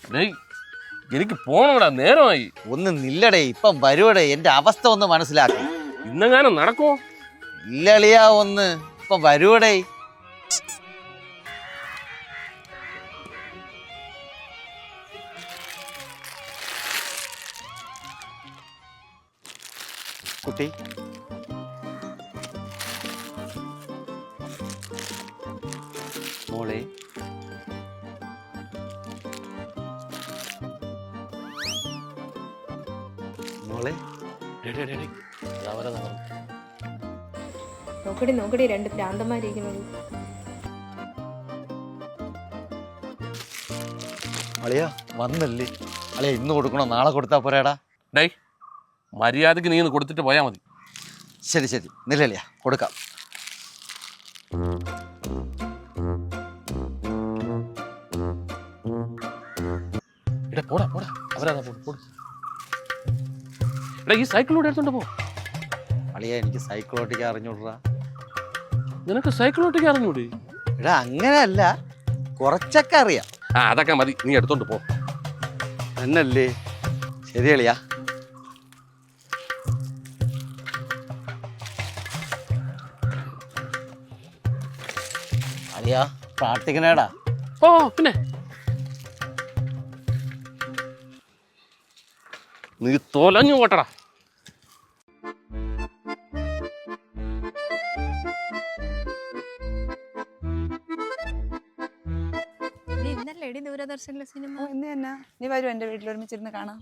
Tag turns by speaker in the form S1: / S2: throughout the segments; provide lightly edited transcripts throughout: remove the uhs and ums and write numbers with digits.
S1: എനിക്ക് പോണോടാ, നേരമായി.
S2: ഒന്ന് നില്ലടേ, ഇപ്പം വരുവടേ. എന്റെ അവസ്ഥ ഒന്ന് മനസ്സിലാക്കി.
S1: ഇന്നെങ്ങാനും നടക്കോ?
S2: ഇല്ലളിയാ, ഒന്ന് ഇപ്പം വരുവടേ. കുട്ടി മോളെ, മോളെ.
S3: നോക്കടി രണ്ട് ഭ്രാന്തന്മാരിക്കുന്നത്.
S2: അളിയാ വന്നല്ലേ? അളിയാ ഇന്ന് കൊടുക്കണോ നാളെ കൊടുത്താ പോരാടാ?
S1: ഡേയ്, മര്യാദക്ക് നീ ഒന്ന് കൊടുത്തിട്ട് പോയാൽ മതി.
S2: ശരി ശരി, നില്ലളിയാ, കൊടുക്കാം.
S1: പോടാ പോടാ, അവരാ പോടും. എടാ, ഈ സൈക്കിളോട് എടുത്തോണ്ട് പോ.
S2: അളിയാ എനിക്ക് സൈക്കിൾ ഓട്ടിക്കാൻ അറിഞ്ഞൂടാ.
S1: നിനക്ക് സൈക്കിൾ ഓട്ടിക്കാൻ അറിഞ്ഞൂടെ?
S2: എടാ അങ്ങനെയല്ല, കുറച്ചൊക്കെ അറിയാം.
S1: അതൊക്കെ മതി, നീ എടുത്തോണ്ട് പോ.
S2: എന്നല്ലേ? ശരി അളിയാ. അളിയാ പ്രാർത്ഥിക്കണേടാ.
S1: ഓ പിന്നെ നീ തോലഞ്ഞു പോട്ടടാ.
S3: ഇന്നല്ലേ ദൂരദർശനിലെ സിനിമ?
S4: ഇന്ന് തന്നെ. നീ വരും എൻ്റെ വീട്ടിൽ ഒരുമിച്ചിരുന്ന് കാണാം.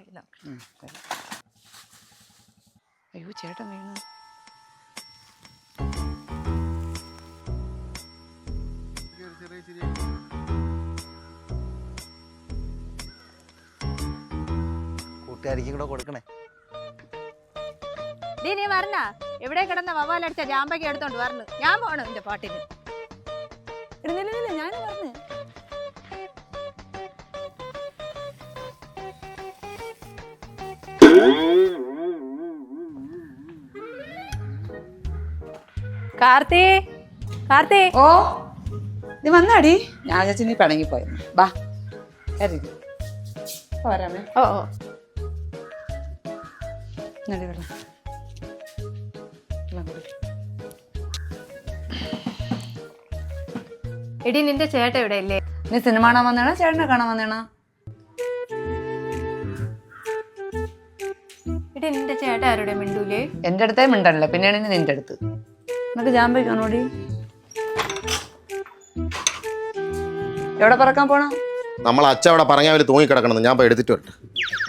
S4: അയ്യോ ചേട്ടൻ വീണു.
S2: കൂട്ടുകാരിക്കും കൂടെ കൊടുക്കണേ.
S3: നീ പറഞ്ഞ എവിടെ കിടന്ന വവാലടിച്ച ജാമ്പയ്ക്ക് എടുത്തോണ്ട് വരണം. ഞാൻ പോണു എന്റെ പാട്ടിന്.
S4: ഞാൻ പറഞ്ഞു
S3: കാർത്തി.
S4: ഓ നീ വന്നാടി? ഞാൻ ചേച്ചി നീ പിണങ്ങിപ്പോയെന്ന്. ബാ പോരാമേ.
S3: ഓ
S4: വെള്ളം
S3: എടി, നിന്റെ ചേട്ട ഇവിടെ ഇല്ലേ?
S4: നീ സിനിമ കാണാൻ വന്നേണോ ചേട്ടനെ കാണാൻ വന്നേണോ?
S3: എടി, നിന്റെ ചേട്ട ആരുടെ മിണ്ടൂലേ?
S4: എൻ്റെ അടുത്തേ മിണ്ടല്ലേ, പിന്നെയാണ് നിന്റെ അടുത്ത്. എന്നിട്ട് ജാമ്പി കാണോടി? എവിടെ പറക്കാൻ പോണ?
S5: നമ്മൾ അച്ഛ അവിടെ പറഞ്ഞാൽ തൂങ്ങിക്കിടക്കണം. ഞാൻ പോയി എടുത്തിട്ട് വരട്ടെ.